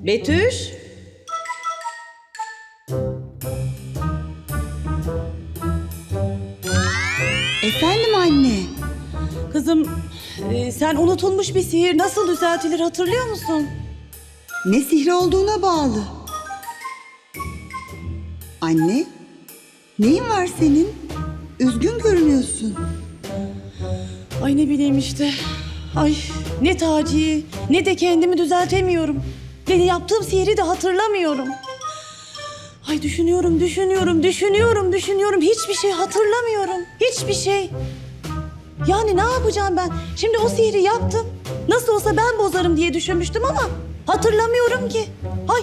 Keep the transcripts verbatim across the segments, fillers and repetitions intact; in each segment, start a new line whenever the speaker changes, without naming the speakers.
Betüş.
Efendim anne.
Kızım, e, sen unutulmuş bir sihir nasıl düzeltilir hatırlıyor musun?
Ne sihri olduğuna bağlı. Anne, neyin var senin? Üzgün görünüyorsun.
Ay ne bileyim işte. Ay ne Taci'yi ne de kendimi düzeltemiyorum. Ne de yaptığım sihri de hatırlamıyorum. Ay düşünüyorum, düşünüyorum, düşünüyorum, düşünüyorum. Hiçbir şey hatırlamıyorum. Hiçbir şey. Yani ne yapacağım ben? Şimdi o sihri yaptım. Nasıl olsa ben bozarım diye düşünmüştüm ama hatırlamıyorum ki. Ay.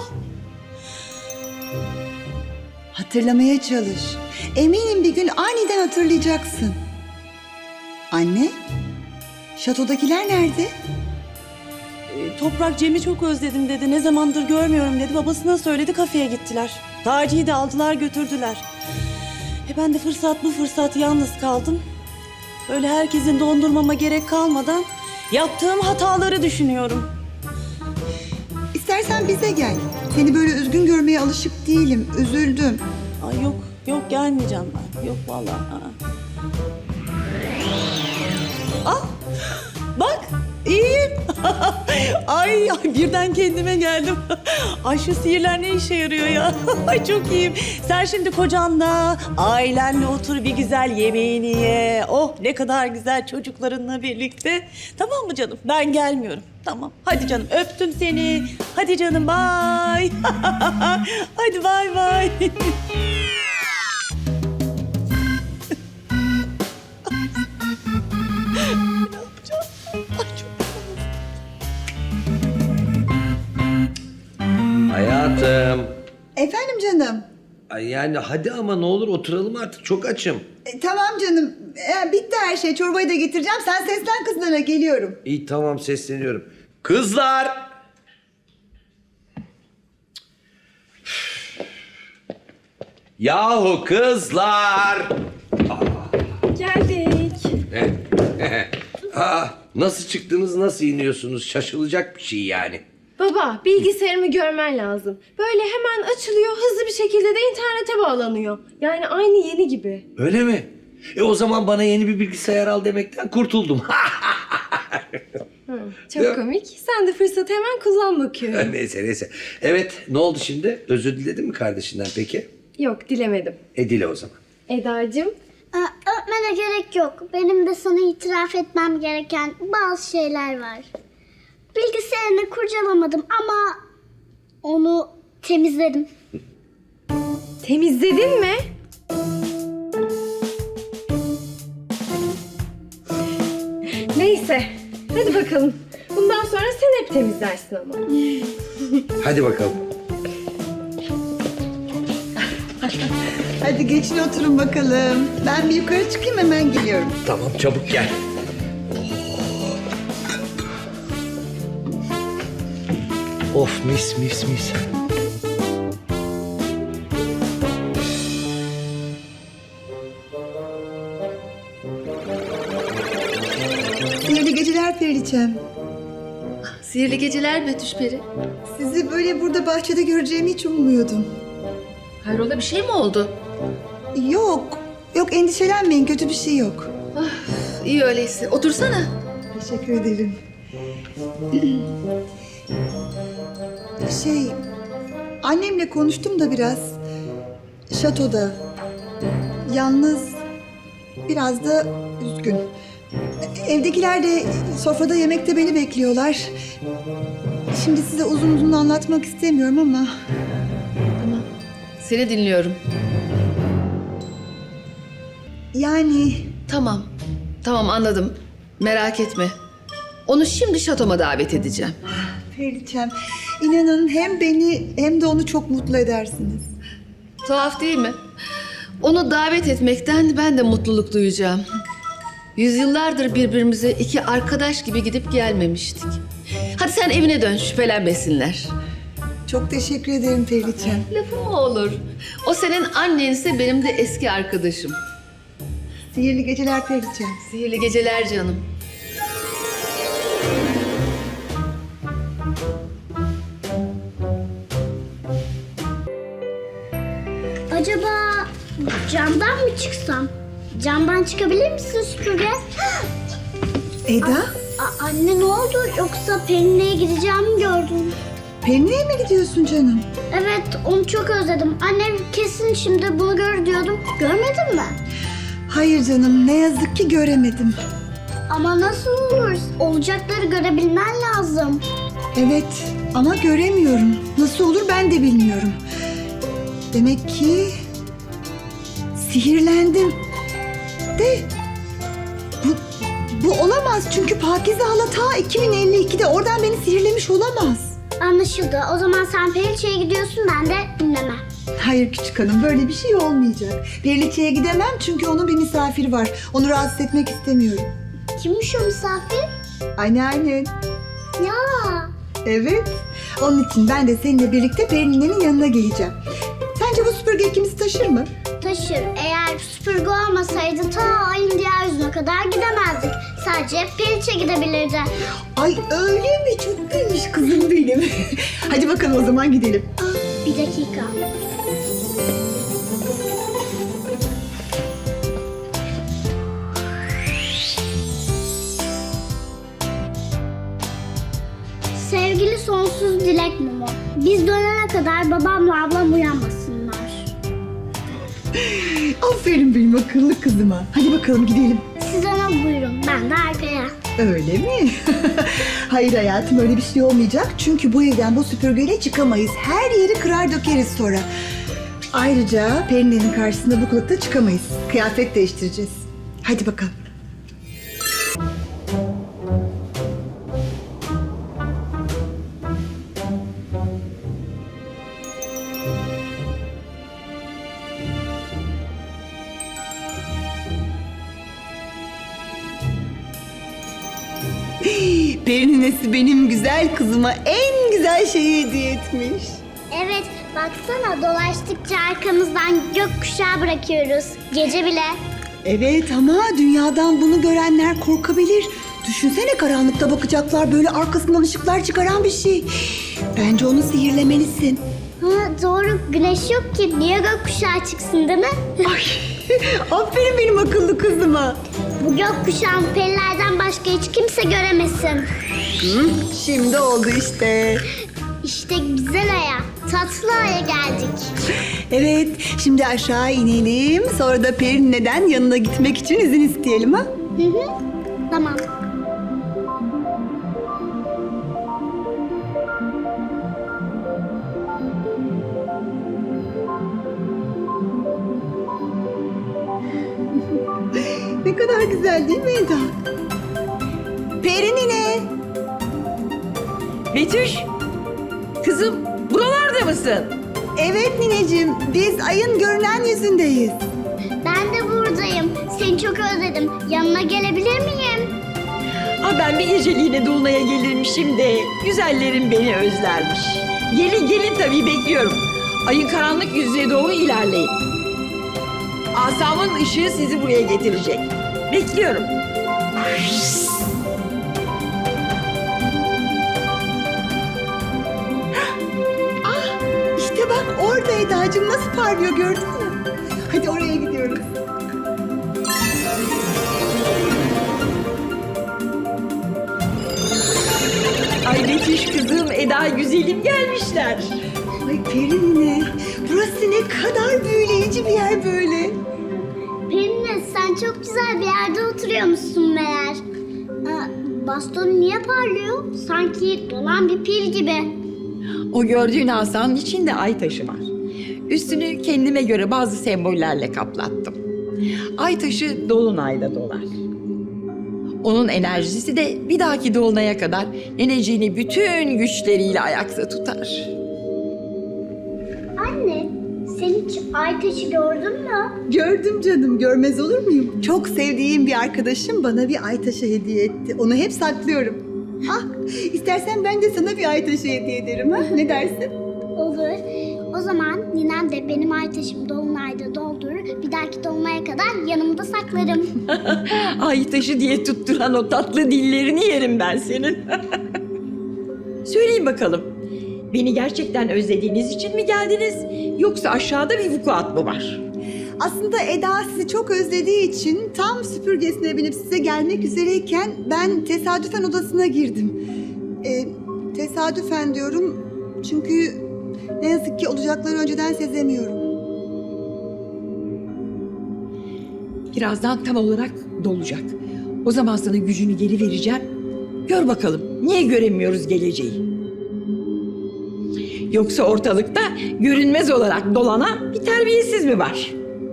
Hatırlamaya çalış. Eminim bir gün aniden hatırlayacaksın. Anne, şatodakiler nerede?
E, Toprak Cem'i çok özledim dedi. Ne zamandır görmüyorum dedi. Babasına söyledi, kafeye gittiler. Taci'yi de aldılar götürdüler. E ben de fırsat bu fırsat yalnız kaldım. Böyle herkesin dondurmama gerek kalmadan yaptığım hataları düşünüyorum.
İstersen bize gel. Seni böyle üzgün görmeye alışık değilim. Üzüldüm.
Ay yok, yok gelmeyeceğim ben. Yok vallahi. Aa. Ah, bak iyiyim. ay, ay birden kendime geldim. Ay şu sihirler ne işe yarıyor ya? Ay çok iyiyim. Sen şimdi kocanla, ailenle otur bir güzel yemeğini ye. Oh ne kadar güzel çocuklarınla birlikte. Tamam mı canım? Ben gelmiyorum. Tamam. Hadi canım öptüm seni. Hadi canım bye. Hadi bye bye. Ne yapacağım? Ay çok
Hayatım.
Efendim canım.
Ay yani hadi ama ne olur oturalım artık. Çok açım.
E, tamam canım. E, bitti her şey. Çorbayı da getireceğim. Sen seslen kızlara, geliyorum.
İyi tamam sesleniyorum. Kızlar! Yahu kızlar!
Geldik.
Aa, nasıl çıktınız, nasıl iniyorsunuz? Şaşılacak bir şey yani.
Baba, bilgisayarımı görmen lazım. Böyle hemen açılıyor, hızlı bir şekilde de internete bağlanıyor. Yani aynı yeni gibi.
Öyle mi? E o zaman bana yeni bir bilgisayar al demekten kurtuldum.
Hı, çok komik. Sen de fırsatı hemen kullan bakıyorum.
neyse neyse. Evet ne oldu şimdi? Özür diledin mi kardeşinden peki?
Yok, dilemedim.
E dile o zaman.
Edacığım,
Aa, öpmene gerek yok. Benim de sana itiraf etmem gereken bazı şeyler var. Bilgisayarını kurcalamadım ama onu temizledim.
temizledin mi? Neyse, hadi bakalım. Bundan sonra sen hep temizlersin ama.
Hadi bakalım.
Hadi geçin oturun bakalım. Ben bir yukarı çıkayım, hemen geliyorum.
Tamam çabuk gel. Of mis mis mis.
Sihirli geceler Periliçem.
Sihirli geceler Betüş Peri.
Sizi böyle burada bahçede göreceğimi hiç ummuyordum.
Hayrola bir şey mi oldu?
Yok, yok endişelenmeyin, kötü bir şey yok.
İyi öyleyse. Otursana.
Teşekkür ederim. Şey, annemle konuştum da biraz. Şatoda. Yalnız biraz da üzgün. Evdekiler de sofrada yemekte beni bekliyorlar. Şimdi size uzun uzun anlatmak istemiyorum ama...
Tamam. Seni dinliyorum.
Yani
Tamam. Tamam anladım. Merak etme. Onu şimdi şatoma davet edeceğim.
Periliçem, inanın hem beni hem de onu çok mutlu edersiniz.
Tuhaf değil mi? Onu davet etmekten ben de mutluluk duyacağım. Yüzyıllardır birbirimize iki arkadaş gibi gidip gelmemiştik. Hadi sen evine dön, şüphelenmesinler.
Çok teşekkür ederim Periliçem.
Lafı mı olur? O senin annense benim de eski arkadaşım.
Sihirli geceler Periliçem.
Sihirli geceler canım.
mi çıksam? Camdan çıkabilir misin süpürge?
Eda,
A- anne ne oldu? Yoksa Perine'ye gideceğimi gördün.
Perine'ye mi gidiyorsun canım?
Evet, onu çok özledim. Annem kesin şimdi bunu gör diyordum. Görmedin mi?
Hayır canım, ne yazık ki göremedim.
Ama nasıl olur? Olacakları görebilmen lazım.
Evet ama göremiyorum. Nasıl olur ben de bilmiyorum. Demek ki sihirlendim. De bu, bu olamaz çünkü Pakize hala ta iki bin elli ikide oradan beni sihirlemiş olamaz.
Anlaşıldı. O zaman sen Periçe'ye gidiyorsun, ben de dinlemem.
Hayır küçük hanım, böyle bir şey olmayacak. Periliçe'ye gidemem çünkü onun bir misafiri var. Onu rahatsız etmek istemiyorum.
Kimmiş o misafir?
Anneannen.
Ya.
Evet. Onun için ben de seninle birlikte Perine'nin yanına geleceğim. Sence bu süpürge ikimizi taşır mı?
Taşır. Eğer süpürge olmasaydı ta ayın diğer yüzüne kadar gidemezdik. Sadece Periçe gidebilirdi.
Ay öyle mi? Çok bilmiş kızım benim. Hadi bakalım o zaman gidelim.
Ah, bir dakika. Sevgili sonsuz dilek Momo. Biz dönene kadar babamla ablam uyanmasınlar.
Aferin benim akıllı kızıma. Hadi bakalım gidelim.
Siz ona buyurun, ben de arkaya.
Öyle mi? Hayır hayatım, öyle bir şey olmayacak. Çünkü bu evden bu süpürgeyle çıkamayız. Her yeri kırar dökeriz sonra. Ayrıca Perine'nin karşısında bu kılıkta çıkamayız. Kıyafet değiştireceğiz. Hadi bakalım. Perinesi benim güzel kızıma en güzel şeyi hediye etmiş.
Evet, baksana dolaştıkça arkamızdan gökkuşağı bırakıyoruz. Gece bile.
Evet ama dünyadan bunu görenler korkabilir. Düşünsene, karanlıkta bakacaklar, böyle arkasından ışıklar çıkaran bir şey. Bence onu sihirlemelisin.
Ha, doğru, güneş yok ki. Niye gökkuşağı çıksın değil mi?
Ay, aferin benim akıllı kızıma.
Bu gökkuşağını perilerden başka hiç kimse göremesin.
Hı, şimdi oldu işte.
İşte güzel aya, tatlı aya geldik.
Evet, şimdi aşağı inelim. Sonra da Perine'den yanına gitmek için izin isteyelim ha?
Hı hı, tamam.
Ne kadar güzel değil mi Eda? Perinine.
Betüş, kızım buralarda mısın?
Evet nineciğim, biz ayın görünen yüzündeyiz.
Ben de buradayım. Seni çok özledim. Yanına gelebilir miyim?
Aa, ben bir geceliğine Dolunay'a gelirmişim de güzellerim beni özlermiş. Gelin gelin tabii, bekliyorum. Ayın karanlık yüzüne doğru ilerleyin. Asamın ışığı sizi buraya getirecek. Bekliyorum.
İşte bak orada Eda'cığım, nasıl parlıyor gördün mü? Hadi oraya gidiyoruz.
Ay Betüş kızım, Eda güzelim gelmişler.
Ay Perine, burası ne kadar büyüleyici bir yer böyle.
Perine, sen çok güzel bir yerde oturuyormuşsun meğer. Aa, baston niye parlıyor? Sanki dolan bir pil gibi.
O gördüğün asanın içinde ay taşı var. Üstünü kendime göre bazı sembollerle kaplattım. Ay taşı dolunayda dolar. Onun enerjisi de bir dahaki dolunaya kadar neneciğini bütün güçleriyle ayakta tutar.
Anne, sen hiç ay taşı gördün mü?
Gördüm canım, görmez olur muyum? Çok sevdiğim bir arkadaşım bana bir ay taşı hediye etti. Onu hep saklıyorum. Ah, istersen ben de sana bir ay taşı hediye ederim ha? Ne dersin?
Olur. O zaman ninem de benim ay taşımı dolunayda doldurur. Bir dahaki dolunaya kadar yanımda saklarım.
Ay taşı diye tutturan o tatlı dillerini yerim ben senin. Söyleyin bakalım. Beni gerçekten özlediğiniz için mi geldiniz? Yoksa aşağıda bir vukuat mı var?
Aslında Eda sizi çok özlediği için tam süpürgesine binip size gelmek üzereyken ben tesadüfen odasına girdim. Ee, tesadüfen diyorum çünkü ne yazık ki olacakları önceden sezemiyorum.
Birazdan tam olarak dolacak. O zaman sana gücünü geri vereceğim. Gör bakalım niye göremiyoruz geleceği? Yoksa ortalıkta görünmez olarak dolanan bir terbiyesiz mi var?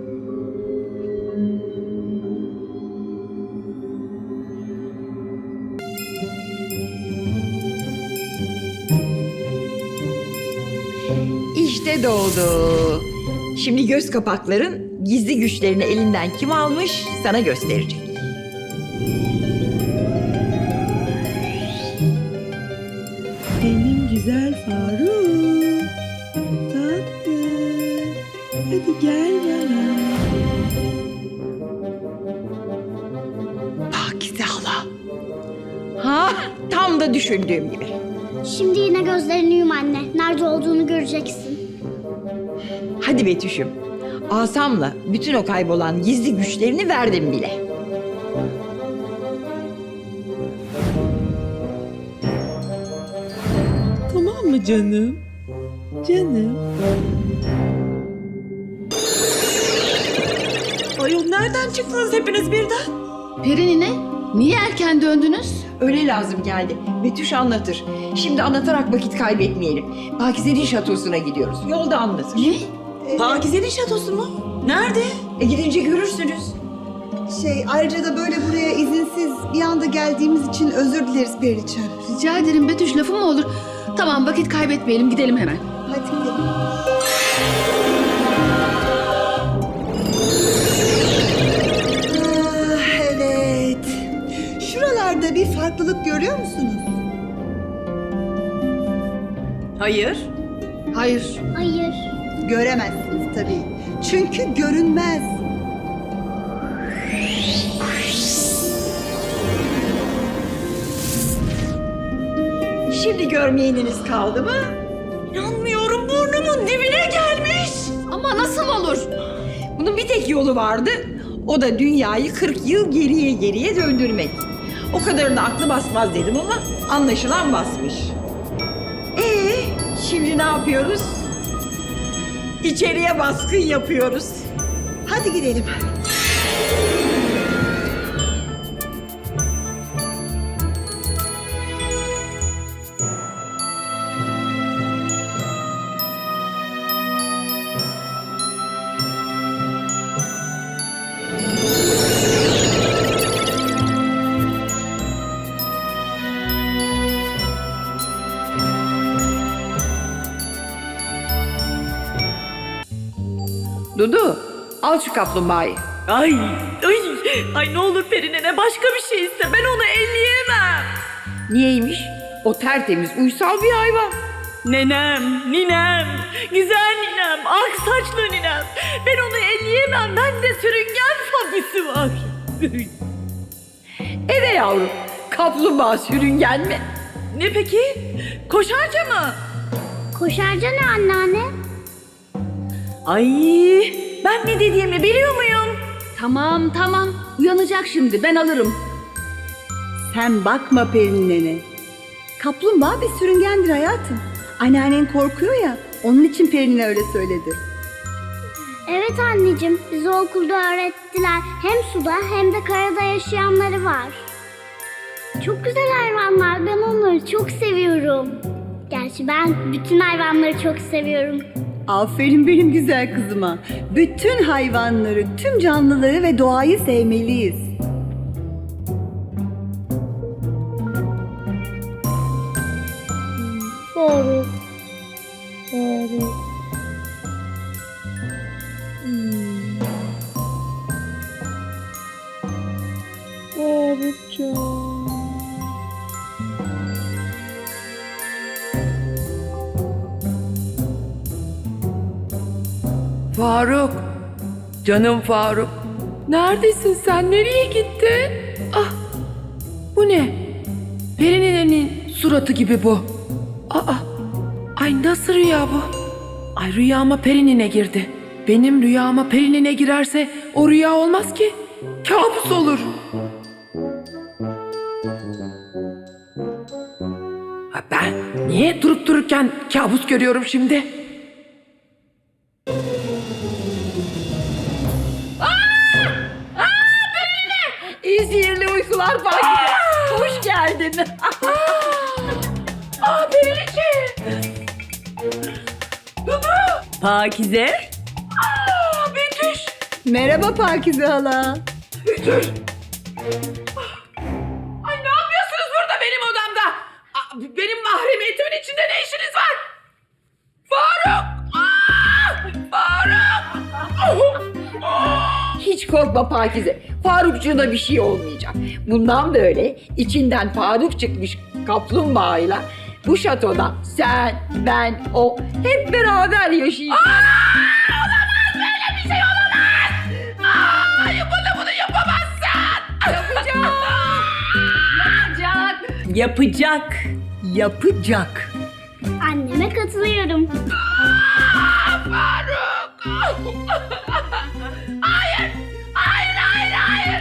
İşte doğdu. Şimdi göz kapakların gizli güçlerini elinden kim almış sana gösterecek.
Benim güzel Faruk. Tatlı. Hadi gel bana.
Pakize hala. Ha, tam da düşündüğüm gibi.
Şimdi yine gözlerini yum anne. Nerede olduğunu göreceksin.
Hadi Betüş'üm. Asamla bütün o kaybolan gizli güçlerini verdim bile.
Tamam mı canım? Canım. Ayol nereden çıktınız hepiniz birden?
Perinine, niye erken döndünüz?
Öyle lazım geldi. Betüş anlatır. Şimdi anlatarak vakit kaybetmeyelim. Pakize'nin şatosuna gidiyoruz. Yolda anlatır.
Ne?
Pakize'nin şatosu mu? Nerede?
E gidince görürsünüz.
Şey ayrıca da böyle buraya izinsiz bir anda geldiğimiz için özür dileriz Periçem.
Rica ederim Betüş, lafı mı olur? Tamam, vakit kaybetmeyelim, gidelim hemen.
Hadi gidelim. Ah, evet. Şuralarda bir farklılık görüyor musunuz?
Hayır.
Hayır.
Hayır.
Göremezsiniz tabii. Çünkü görünmez.
Şimdi görmeyeniniz kaldı mı?
İnanmıyorum, burnumun dibine gelmiş.
Ama nasıl olur?
Bunun bir tek yolu vardı. O da dünyayı kırk yıl geriye geriye döndürmek. O kadarını aklı basmaz dedim ama anlaşılan basmış. Ee, şimdi ne yapıyoruz? İçeriye baskın yapıyoruz.
Hadi gidelim.
Dudu, al şu kaplumbağayı.
Ay, ay, ay ne olur Perinene başka bir şey iste. Ben onu elleyemem.
Niyeymiş? O tertemiz, uysal bir hayvan.
Nenem, ninem, güzel ninem, ak saçlı ninem. Ben onu elleyemem. Bende sürüngen fobisi var.
Eve yavrum, kaplumbağa sürüngen mi?
Ne peki? Koşarca mı?
Koşarca ne anneanne?
Ay, ben ne dediğimi biliyor muyum?
Tamam, tamam. Uyanacak şimdi, ben alırım.
Sen bakma Pelin nene. Kaplumbağa bir sürüngendir hayatım. Anneannen korkuyor ya, onun için Pelin'e öyle söyledi.
Evet anneciğim, bize okulda öğrettiler. Hem suda hem de karada yaşayanları var. Çok güzel hayvanlar, ben onları çok seviyorum. Gerçi ben bütün hayvanları çok seviyorum.
Aferin benim güzel kızıma. Bütün hayvanları, tüm canlıları ve doğayı sevmeliyiz.
Doğru. Doğru.
Faruk, canım Faruk. Neredesin sen? Nereye gittin? Ah, bu ne? Perine'nin suratı gibi bu. Aa, ay nasıl rüya bu? Ay rüyama Perinine girdi. Benim rüyama Peri'ne girerse o rüya olmaz ki. Kabus olur. Ha, ben niye durup dururken kabus görüyorum şimdi?
İyi sihirli uykular Pakize. Hoş geldin.
Aa Periliçe! Dudu!
Pakize.
Aa Betüş!
Merhaba Pakize hala.
Betüş! Ay ne yapıyorsunuz burada benim odamda? Aa, benim mahremiyetimin içinde ne işiniz var? Faruk! Aa! Faruk!
Hiç korkma Pakize. Farukcuğuna bir şey olmayacak. Bundan böyle içinden Faruk çıkmış kaplumbağayla bu şatoda sen, ben, o hep beraber yaşayacağız.
Olamaz böyle bir şey olamaz! Aa, bunu bunu yapamazsın!
Yapacağım. Yapacak.
Yapacak. Yapacak.
Anneme katılıyorum.
Faruk! Hayır! Hayır, hayır, hayır!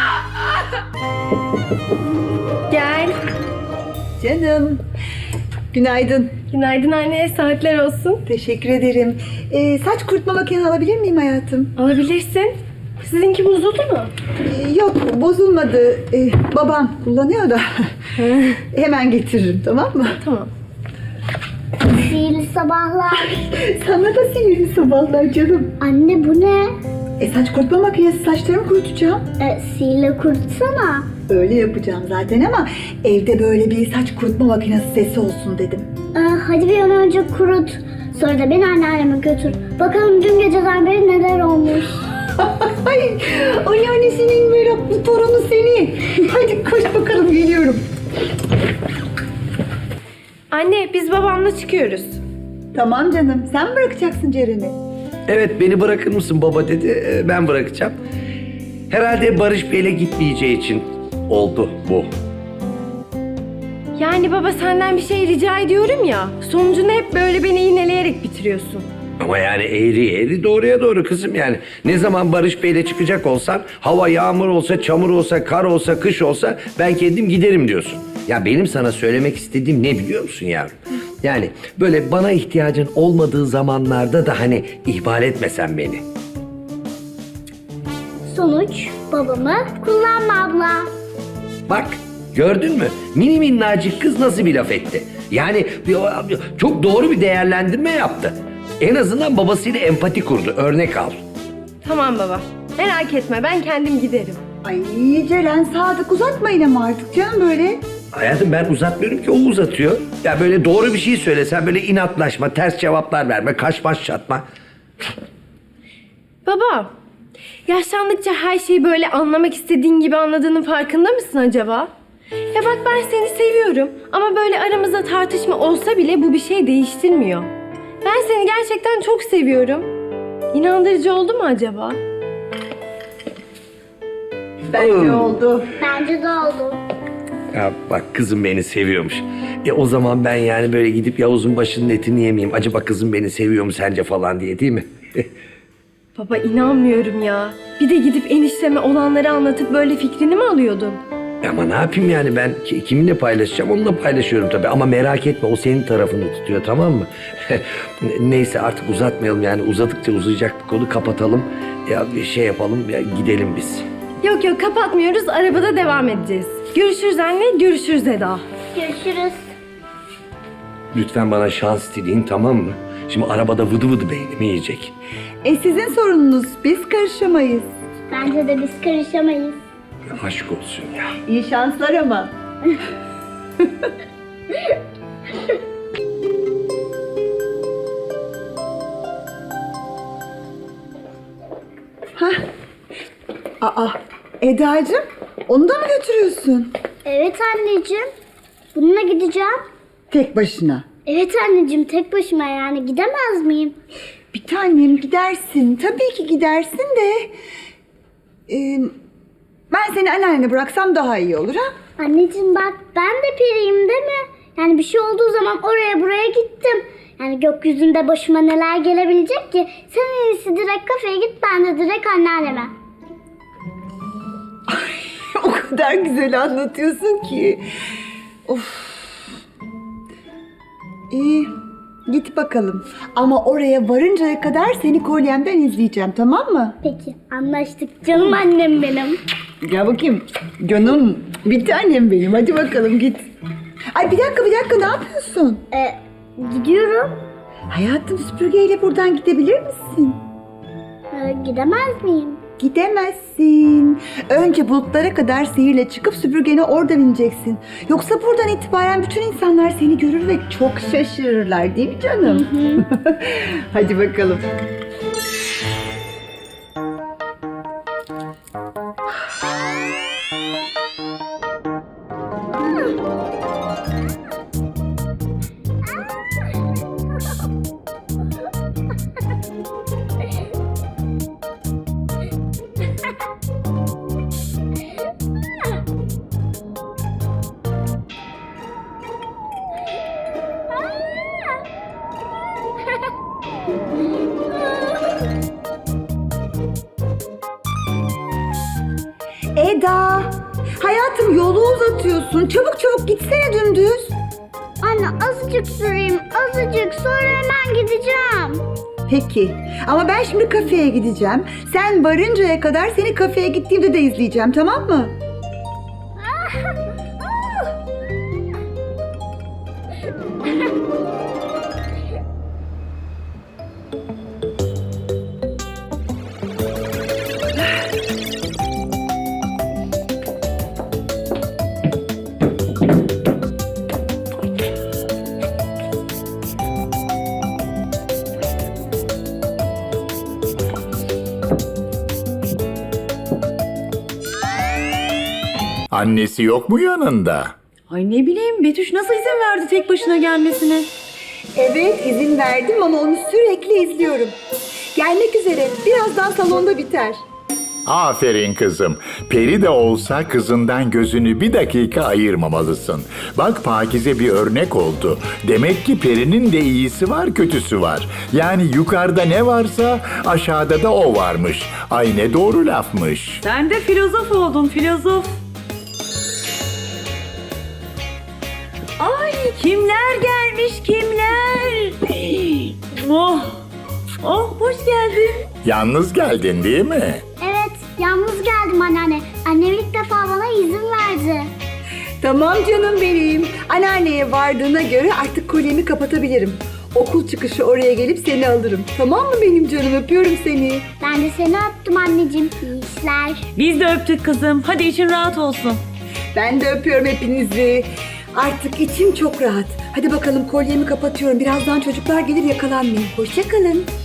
Gel.
Canım. Günaydın.
Günaydın anne, saatler olsun.
Teşekkür ederim. Ee, saç kurutma makinesi alabilir miyim hayatım?
Alabilirsin. Sizinki bozuldu mu?
Ee, yok bozulmadı. Ee, babam kullanıyor da. Hemen getiririm, tamam mı?
Tamam.
Sihirli sabahlar.
Sana da sinirli sabahlar canım.
Anne bu ne?
E saç kurutma makinesi, saçlarımı kurutacağım.
E, sihirle kurutsana.
Öyle yapacağım zaten ama evde böyle bir saç kurutma makinesi sesi olsun dedim.
E, hadi bir an önce kurut. Sonra da beni anneanneme götür. Bakalım dün geceden beri neler olmuş.
Ay, anneannesinin meraklı torunu seni. Hadi koş bakalım, geliyorum.
Anne, biz babamla çıkıyoruz.
Tamam canım, sen mi bırakacaksın Ceren'i?
Evet, beni bırakır mısın baba dedi. Ee, Ben bırakacağım. Herhalde Barış Bey'le gitmeyeceği için oldu bu.
Yani baba senden bir şey rica ediyorum ya. Sonucunu hep böyle beni iğneleyerek bitiriyorsun.
Ama yani eğri eğri doğruya doğru kızım yani. Ne zaman Barış Bey'le çıkacak olsan, hava yağmur olsa, çamur olsa, kar olsa, kış olsa ben kendim giderim diyorsun. Ya benim sana söylemek istediğim ne biliyor musun yavrum? Yani böyle bana ihtiyacın olmadığı zamanlarda da hani ihmal etmesen beni.
Sonuç babamı kullanma abla.
Bak gördün mü? Mini minnacık kız nasıl bir laf etti? Yani bir- çok doğru bir değerlendirme yaptı. En azından babasıyla empati kurdu. Örnek al.
Tamam baba. Merak etme, ben kendim giderim.
Ay Ceren, Sadık uzatmayın ama artık canım böyle.
Hayatım ben uzatmıyorum ki o uzatıyor. Ya böyle doğru bir şey söylesen böyle inatlaşma, ters cevaplar verme, kaş baş çatma.
Baba, yaşlandıkça her şeyi böyle anlamak istediğin gibi anladığının farkında mısın acaba? Ya bak ben seni seviyorum ama böyle aramızda tartışma olsa bile bu bir şey değiştirmiyor. Ben seni gerçekten çok seviyorum. İnandırıcı oldu mu acaba?
Bence
Hmm.
oldu.
Bence de oldu.
Ya bak kızım beni seviyormuş. E o zaman ben yani böyle gidip Yavuz'un başının etini yemeyeyim. Acaba kızım beni seviyor mu sence falan diye değil mi?
Baba inanmıyorum ya. Bir de gidip enişteme olanları anlatıp böyle fikrini mi alıyordun?
Ama ne yapayım yani ben ki- kiminle paylaşacağım onunla paylaşıyorum tabii. Ama merak etme o senin tarafını tutuyor tamam mı? Neyse artık uzatmayalım yani uzadıkça uzayacak bir konu kapatalım. Ya bir şey yapalım ya gidelim biz.
Yok yok kapatmıyoruz, arabada devam edeceğiz. Görüşürüz anne, görüşürüz Eda.
Görüşürüz.
Lütfen bana şans dileyin tamam mı? Şimdi arabada vıdı vıdı beynimi yiyecek.
E sizin sorununuz, biz karışamayız.
Bence de biz karışamayız.
Ya aşk olsun ya.
İyi şanslar ama. Hah. Aa, Eda'cığım, onu da mı götürüyorsun?
Evet anneciğim. Bununla gideceğim.
Tek başına.
Evet anneciğim, tek başıma yani gidemez miyim?
Bir tanem gidersin. Tabii ki gidersin de... e, ben seni anneannene bıraksam daha iyi olur ha?
Anneciğim bak, ben de periyim değil mi? Yani bir şey olduğu zaman oraya buraya gittim. Yani gökyüzünde başıma neler gelebilecek ki? Sen en iyisi direkt kafeye git, ben de direkt anneanneme.
O kadar güzel anlatıyorsun ki. Of. İyi, git bakalım. Ama oraya varıncaya kadar seni kolyemden izleyeceğim, tamam mı?
Peki, anlaştık canım annem benim.
Gel bakayım. Canım, bir tanem benim. Hadi bakalım git. Ay bir dakika, bir dakika, ne yapıyorsun?
Ee, gidiyorum.
Hayatım, süpürgeyle buradan gidebilir misin?
Ee, gidemez miyim?
Gidemezsin. Önce bulutlara kadar sihirle çıkıp süpürgene orada bineceksin. Yoksa buradan itibaren bütün insanlar seni görür ve çok şaşırırlar, değil mi canım? Hadi bakalım. Eda, hayatım yolu uzatıyorsun. Çabuk çabuk gitsene dümdüz.
Anne azıcık süreyim, azıcık, sonra hemen gideceğim.
Peki ama ben şimdi kafeye gideceğim. Sen varıncaya kadar seni kafeye gittiğimde de izleyeceğim, tamam mı?
Annesi yok mu yanında?
Ay ne bileyim, Betüş nasıl izin verdi tek başına gelmesine?
Evet, izin verdim ama onu sürekli izliyorum. Gelmek üzere. Birazdan salonda biter.
Aferin kızım. Peri de olsa kızından gözünü bir dakika ayırmamalısın. Bak Pakize bir örnek oldu. Demek ki Peri'nin de iyisi var, kötüsü var. Yani yukarıda ne varsa aşağıda da o varmış. Ay ne doğru lafmış.
Sen de filozof oldun, filozof. Ay kimler gelmiş, kimler? Oh, oh hoş geldin.
Yalnız geldin değil mi?
Evet, yalnız geldim anneanne. Annem ilk defa bana izin verdi.
Tamam canım benim. Anneanneye vardığına göre artık kolyemi kapatabilirim. Okul çıkışı oraya gelip seni alırım. Tamam mı benim canım? Öpüyorum seni.
Ben de seni öptüm anneciğim. İyi işler.
Biz de öptük kızım. Hadi için rahat olsun.
Ben de öpüyorum hepinizi. Artık içim çok rahat. Hadi bakalım kolyemi kapatıyorum. Birazdan çocuklar gelir, yakalanmayayım. Hoşça kalın.